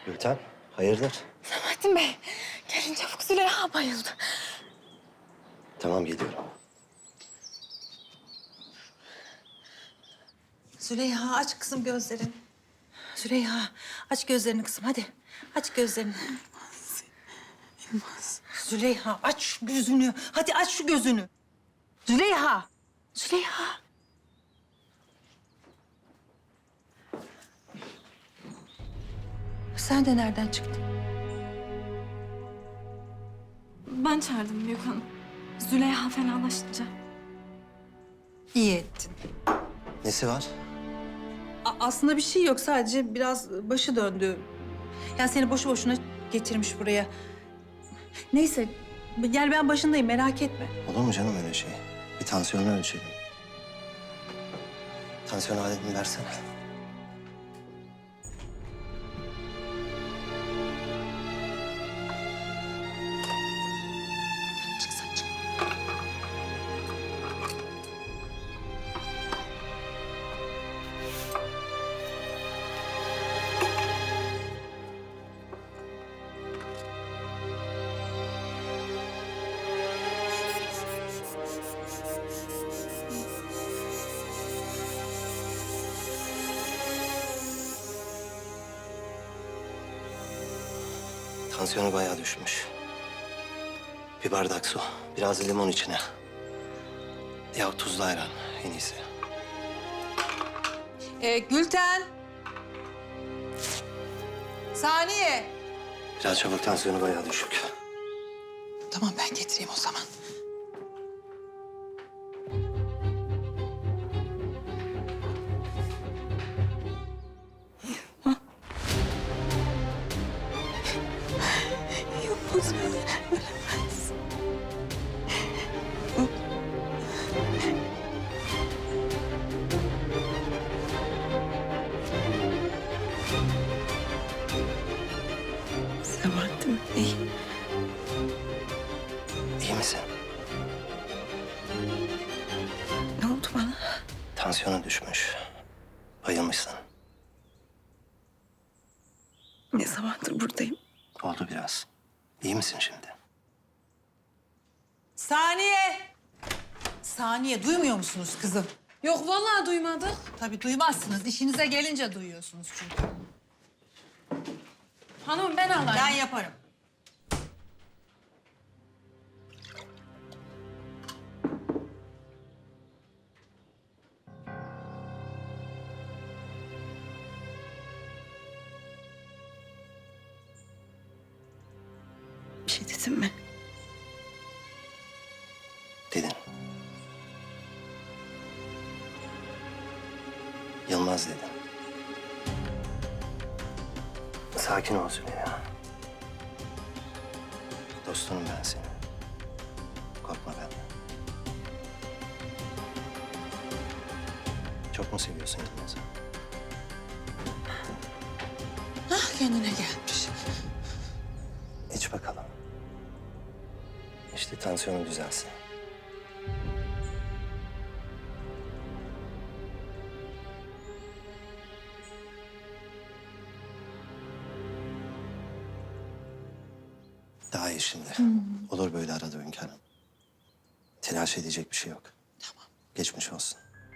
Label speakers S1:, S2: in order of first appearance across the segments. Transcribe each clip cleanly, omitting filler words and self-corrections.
S1: Gülten, hayırdır?
S2: Sabahattin Bey, gelin çabuk, Züleyha bayıldı.
S1: Tamam, geliyorum.
S3: Züleyha aç kızım gözlerini. Züleyha aç gözlerini kızım hadi. Aç gözlerini.
S2: Yılmaz.
S3: Züleyha aç şu gözünü. Hadi aç şu gözünü. Züleyha. Züleyha. Sen de nereden çıktın?
S2: Ben çağırdım Büyük Hanım. Züleyha fenalaşınca.
S3: İyi ettin.
S1: Nesi var?
S3: Aslında bir şey yok. Sadece biraz başı döndü. Yani seni boşu boşuna getirmiş buraya. Neyse. Yani ben başındayım merak etme.
S1: Olur mu canım öyle şey? Bir tansiyonu ölçelim. Tansiyon aletini versene.
S3: Çık sen çık.
S1: Tansiyonu bayağı düşmüş. Bir bardak su, biraz limon içine. Ya tuzlu ayran en iyisi.
S3: Gülten. Saniye.
S1: Biraz çabuk, tansiyonu bayağı düşük.
S3: Tamam ben getireyim o zaman.
S2: Yılmaz ölemez. Sabahattin Bey.
S1: İyi misin?
S2: Ne oldu bana?
S1: Tansiyonun düşmüş. Bayılmışsın.
S2: Ne zamandır buradayım?
S1: Oldu biraz. İyi misin şimdi?
S3: Saniye. Saniye duymuyor musunuz kızım?
S2: Yok vallahi duymadık.
S3: Tabii duymazsınız. İşinize gelince duyuyorsunuz çünkü.
S2: Hanım ben alayım.
S3: Ben yaparım.
S2: Bir şey dedim mi?
S1: Dedin. Yılmaz dedin. Sakin ol Züleyha. Dostunum ben senin. Korkma benden. Çok mu seviyorsun Yılmaz'ı?
S3: Ah kendine gelmiş.
S1: İç bakalım. İşte tansiyonun düzelsin. Daha iyi şimdi. Olur böyle arada hünkârım. Telaş edecek bir şey yok.
S3: Tamam.
S1: Geçmiş olsun.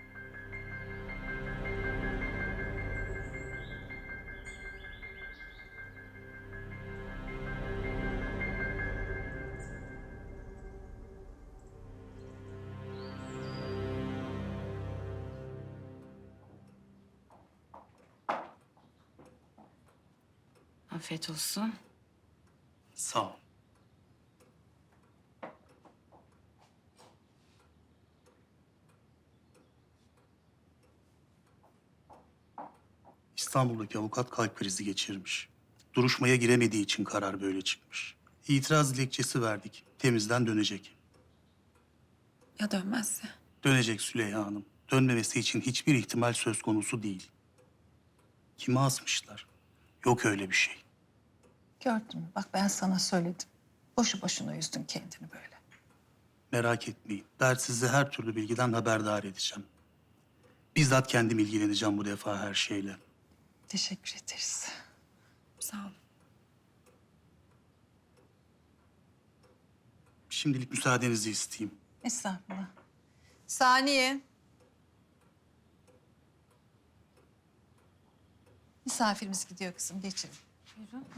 S2: Afiyet olsun.
S4: Sağ ol. İstanbul'daki avukat kalp krizi geçirmiş. Duruşmaya giremediği için karar böyle çıkmış. İtiraz dilekçesi verdik. Temizden dönecek.
S2: Ya dönmezse?
S4: Dönecek Süleyha Hanım. Dönmemesi için hiçbir ihtimal söz konusu değil. Kime asmışlar? Yok öyle bir şey.
S3: Gördün mü? Bak ben sana söyledim. Boşu boşuna üzdün kendini böyle.
S4: Merak etmeyin. Sizi her türlü bilgiden haberdar edeceğim. Bizzat kendim ilgileneceğim bu defa her şeyle.
S3: Teşekkür ederiz.
S2: Sağ ol.
S4: Şimdilik müsaadenizi isteyeyim.
S3: Estağfurullah. Saniye. Misafirimiz gidiyor kızım, geçelim. Buyurun.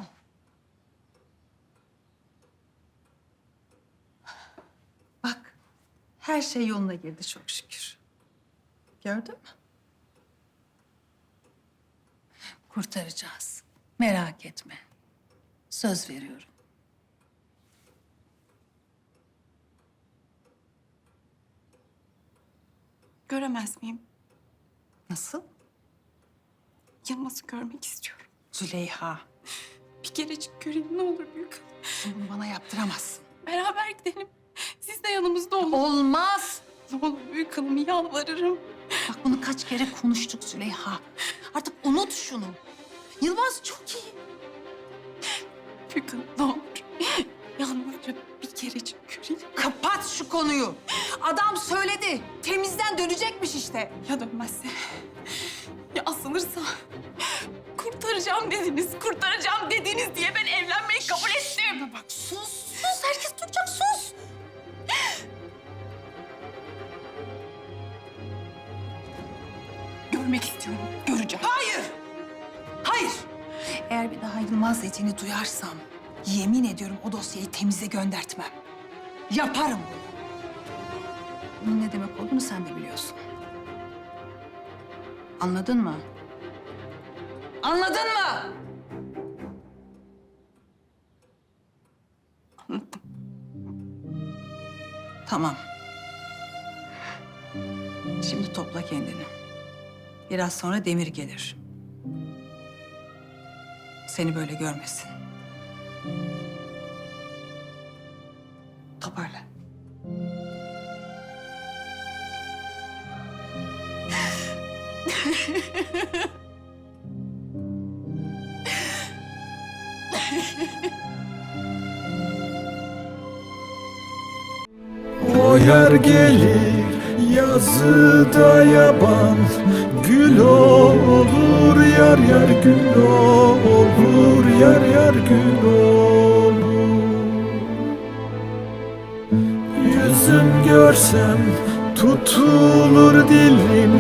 S3: Bak, her şey yoluna girdi çok şükür. Gördün mü? Kurtaracağız. Merak etme. Söz veriyorum.
S2: Göremez miyim?
S3: Nasıl?
S2: Yılmaz'ı görmek istiyorum.
S3: Züleyha,
S2: Bir kerecik göreyim ne olur büyük hanım.
S3: bunu bana yaptıramazsın.
S2: Beraber gidelim. Siz de yanımızda olun.
S3: Olmaz.
S2: Ne olur büyük hanım, yalvarırım.
S3: Bak bunu kaç kere konuştuk Züleyha. Artık unut şunu. Yılmaz çok iyi.
S2: Büyük hanım ne olur. Yalvarırım bir kerecik göreyim.
S3: Kapat şu konuyu. Adam söyledi. Temizden dönecekmiş işte.
S2: Ya dönmezse? Ya asılırsa? Kurtaracağım dediniz diye ben evlenmeyi kabul ettim.
S3: Bana bak sus. Herkes duyacak sus.
S2: Görmek istiyorum, göreceğim.
S3: Hayır. Eğer bir daha Yılmaz dediğini duyarsam yemin ediyorum o dosyayı temize göndertmem. Yaparım bunu. Bunun ne demek olduğunu sen de biliyorsun. Anladın mı? Anladın mı?
S2: Anladım.
S3: Tamam. Şimdi topla kendini. Biraz sonra Demir gelir. Seni böyle görmesin. Toparla.
S5: O yer gelir yazıda yaban, gül olur yar yar gül olur yar yar gül olur. Yüzüm görsem tutulur dilim,